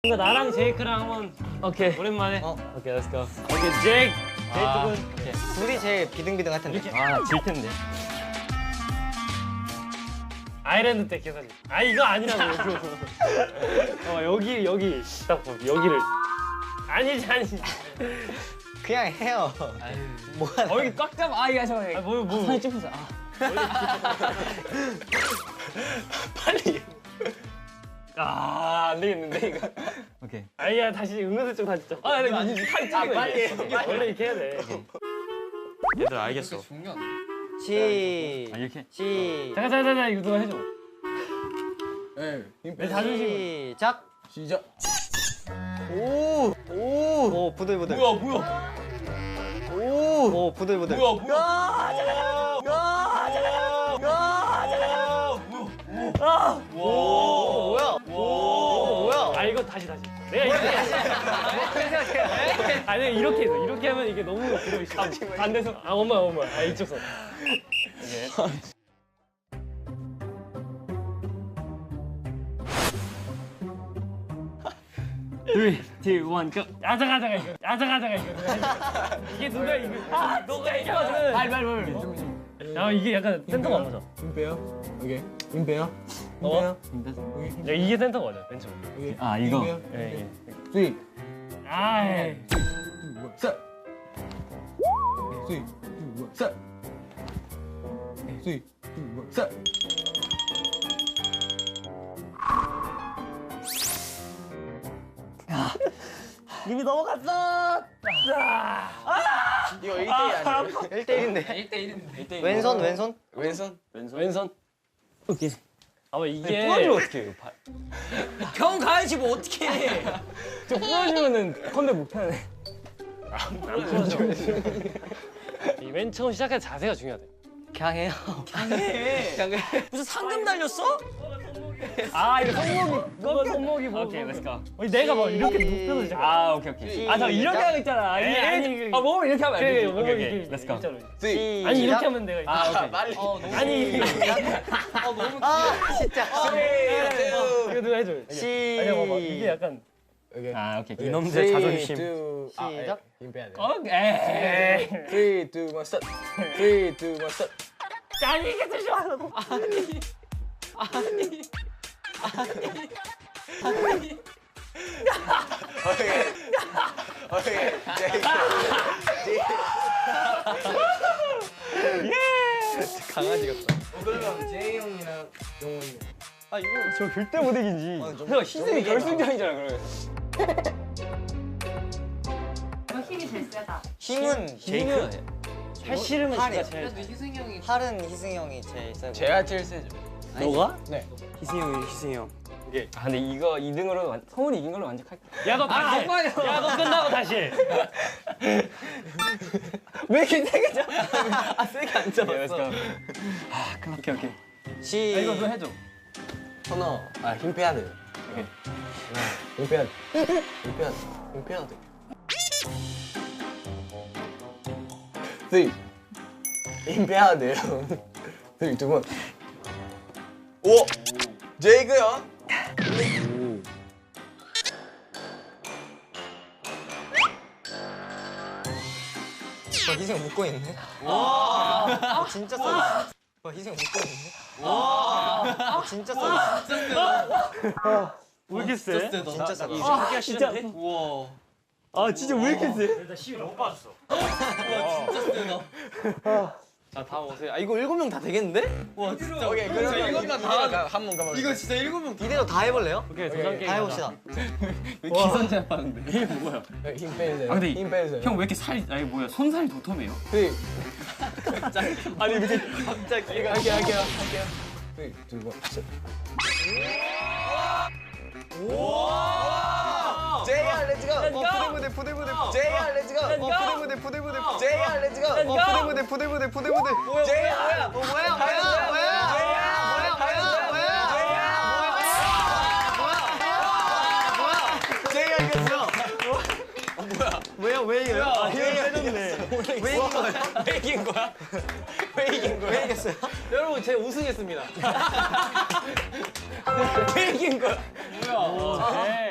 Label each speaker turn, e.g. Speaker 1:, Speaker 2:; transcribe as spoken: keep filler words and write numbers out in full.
Speaker 1: 이거 나랑 제이크랑 한번 오케이 오랜만에 어 오케이 렛츠 고 오케이 제이크 제이크군 오케이
Speaker 2: 둘이 제일 비등비등할 텐데.
Speaker 1: 아질 텐데 아일랜드 때 기억나지? 아 이거 아니라고 어 여기 여기 딱 봐, 여기를 아니지 아니지
Speaker 2: 그냥 해요. 뭐가
Speaker 1: 어 여기 꽉 잡아 아 이거 잠깐만 아 뭐 뭐 손이 찝혀서 아 빨리 아, 안 되겠는데 이거. 오케이. 아니야 다시 은근슬쩍 다시 좀. 아, 근데 이제 팔 찌고 아, 빨리. 이게 원래 이렇게 해야 돼. 얘들 알겠어.
Speaker 2: 시.
Speaker 1: 아, 이렇게.
Speaker 2: 시.
Speaker 1: 잠깐 잠깐 잠깐 이거 누가 해줘.
Speaker 3: 네.
Speaker 1: 내 자존심.
Speaker 2: 시작.
Speaker 3: 시작.
Speaker 2: 오. 오. 오 부들부들.
Speaker 3: 뭐야 뭐야.
Speaker 2: 오. 오 부들부들.
Speaker 3: 뭐야 뭐야.
Speaker 2: 야 잠깐만. 야 잠깐만. 야 잠깐만. 아. 오. 뭐야? 오. 뭐야?
Speaker 1: 아 이거 다시 다시. 내가 이렇게 생각해. 아니 내가 이렇게 해서 이렇게 하면 이게 너무 들어있어. 반대서 아 엄마 엄마 아 이쪽 선. 이게. three, two, one, go. 아자가자가 이거. 아자가자가 이거. 이게 누가 이거. 아, 너가 이거거든. 말, 말, 말. 야, 이게 약간 센터가 안 맞아.
Speaker 3: 임페어. 오케이. 임페어.
Speaker 1: 어? 야, 이게 센터가 맞아. 왼쪽. 아, 이거. 예, 이게.
Speaker 3: 쓰리.
Speaker 1: 아, 예.
Speaker 3: 셋. 쓰리. 셋. 쓰리. 셋.
Speaker 2: 이미 넘어갔어.
Speaker 3: 이거 일 대 일 아니야?
Speaker 2: 일 대 일인데.
Speaker 4: 일 대 일인데. 일 대 일.
Speaker 2: 왼손 왼손.
Speaker 3: 왼손.
Speaker 1: 왼손. 왼손. 오케이. 아마 이게
Speaker 2: 부러지면 어떡해 이거.
Speaker 4: 형 가야지 뭐 어떻게 해?
Speaker 1: 저 부러지면은 컴백 못하네. 안 부러져. 이맨 처음 시작할 자세가 중요하대.
Speaker 2: 그냥 해요.
Speaker 4: 해.
Speaker 2: 그냥 해.
Speaker 4: 무슨 상금 날렸어?
Speaker 1: 아 이거 손목이 이거 손목이 뭐 오케이 렛츠 고 내가 막 이렇게 눕혀서 시작 아 오케이 오케이 아 저 이렇게 하고 있잖아 아니 아니 아 몸을 이렇게 하면 안 돼. 몸을 이렇게 렛츠 고
Speaker 3: 쓰리.
Speaker 1: 아니 이렇게 하면 내가
Speaker 4: 아 오케이.
Speaker 3: 빨리.
Speaker 4: 어 너무.
Speaker 1: 아니
Speaker 4: 아 너무.
Speaker 2: 아 진짜.
Speaker 1: 이거 누가 해줘
Speaker 2: 시.
Speaker 1: 아니 봐봐 이게 약간
Speaker 3: 오케이.
Speaker 1: 아 오케이
Speaker 3: 오케이.
Speaker 1: 이놈들
Speaker 3: 쓰리,
Speaker 1: 자존심
Speaker 3: 투, 아,
Speaker 2: 시작.
Speaker 3: 예, 임페야 돼.
Speaker 1: 오케이
Speaker 3: 쓰리, 투, 원, 스타트. 쓰리, 투, 원, 스타트.
Speaker 1: 아니 이게 더 좋아하고
Speaker 4: 아니. 아니. 아니.
Speaker 3: 오케이. 오케이.
Speaker 2: 강아지 같다.
Speaker 3: 어, 그러면 제이 형이랑 용훈이.
Speaker 2: 아 이거
Speaker 1: 저 절대 못 이기지
Speaker 3: 아, 좀-
Speaker 1: 형 희승이 결승전이잖아 그러면
Speaker 5: 너 힘이 제일 세다.
Speaker 2: 힘은 제이크.
Speaker 1: 팔 씨름은
Speaker 2: 팔이요.
Speaker 1: 진짜 제일
Speaker 4: 그래도 희승이 형이.
Speaker 2: 팔은 희승이 형이 제일 세고.
Speaker 3: 제가 제일 세죠.
Speaker 1: 너가?
Speaker 3: 네.
Speaker 2: 희승이 형이 희승이 형.
Speaker 1: 아 근데 이거 이 등으로 완, 서울이 이긴 걸로 만족할게 야너 다시 해.
Speaker 4: 아빠요.
Speaker 1: 야 너 끝나고 다시 해.
Speaker 2: 왜 이렇게 세게 잡아? 아 세게 안 잡았어.
Speaker 1: 아 끝났 오케이 오케이
Speaker 2: 시.
Speaker 1: 아, 이거 너 해줘
Speaker 3: 선호. 아, 힘 빼야 돼.
Speaker 1: 오케이.
Speaker 3: 힘 빼야 돼. 힘 빼야 돼. 힘 빼야 돼. 쓰리. 힘 빼야 돼요. 쓰리, 두 번. 오! 제이크 형.
Speaker 2: 어, 희승이 형 묶고 있네. 와. 진짜 써. 와 희승이 형 묶고 있네. 와. 진짜 써.
Speaker 1: 왜 이렇게 세?
Speaker 2: 진짜 써.
Speaker 4: 하기가 싫은데?
Speaker 2: 우와.
Speaker 1: 아 진짜 왜 이렇게 세?
Speaker 2: 일단 시위 너무 빠졌어. 자 다음 오세요. 아 이거 일곱 명 다 되겠는데? 와 진짜.
Speaker 3: 오케이, 그러면
Speaker 2: 일곱 명 다.
Speaker 3: 한번 가봐.
Speaker 2: 이거 진짜 일곱 명 이대로 다 해볼래요?
Speaker 1: 오케이 도전 게임
Speaker 2: 다 해봅시다.
Speaker 1: 기선제 하는데 이게 뭐야?
Speaker 3: 힘 빼세요.
Speaker 1: 아, 근데
Speaker 3: 힘 빼세요.
Speaker 1: 형 왜 이렇게 살이 아니 뭐야 손살이 도톰해요?
Speaker 3: 쓰리.
Speaker 1: 아니 이렇게
Speaker 2: 갑자기.
Speaker 3: 이거 할게요, 할게요, 할게요. 쓰리, 두 번, 셋. 제이알 렛츠고!
Speaker 2: 어 부들부들 부들부들.
Speaker 3: 제이알 렛츠고!
Speaker 2: 어 부들부들 부들부들.
Speaker 3: 제이알 렛츠고!
Speaker 2: 어 부들부들 부들부들 부들부들. 뭐야
Speaker 3: 제이알!
Speaker 2: 뭐야 뭐야 뭐야 뭐야 뭐야 뭐야 뭐야
Speaker 3: 제이알 이겼어!
Speaker 2: 뭐야 왜 이겨요? 아
Speaker 1: 힘을 빼줬네
Speaker 2: 왜 이긴 거야?
Speaker 3: 왜 이긴 거야? 왜 이긴 거야?
Speaker 2: 왜 이겼어요?
Speaker 4: 여러분 제가 우승했습니다.
Speaker 3: 왜 이긴 거야?
Speaker 1: 뭐야